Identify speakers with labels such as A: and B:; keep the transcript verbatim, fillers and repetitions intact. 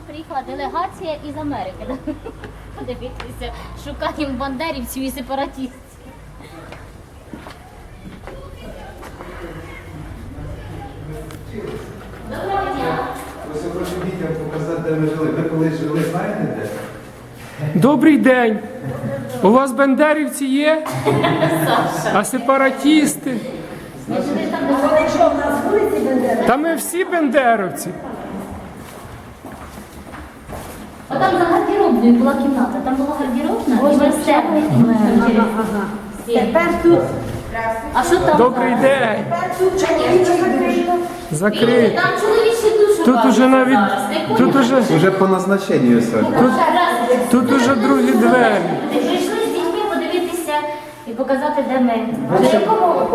A: приїхала делегація із Америки. Да? Подивіться, шукаємо бандерівців і сепаратистів. Доброго дня.
B: Ось я прошу дітям показати, де ми жили. Ви колись жили, знаєте де?
C: Добрий день. У вас бандерівці є? А сепаратісти?
D: Вони що, в нас вулиці Бендери?
C: Та ми всі бандеровці.
A: Отам за гардеробною була кімната, там була гардеробна і вестебна.
D: Тепер тут,
A: А що там?
C: Добрий день.
D: тепер тут чоловічі закрито.
C: Закрий.
A: Там чоловічі душу
C: Тут уже навіть, тут уже,
B: Уже по назначенню все.
C: тут уже другі двері.
A: Прийшли з дітьми подивитися і показати, де ми. А на якому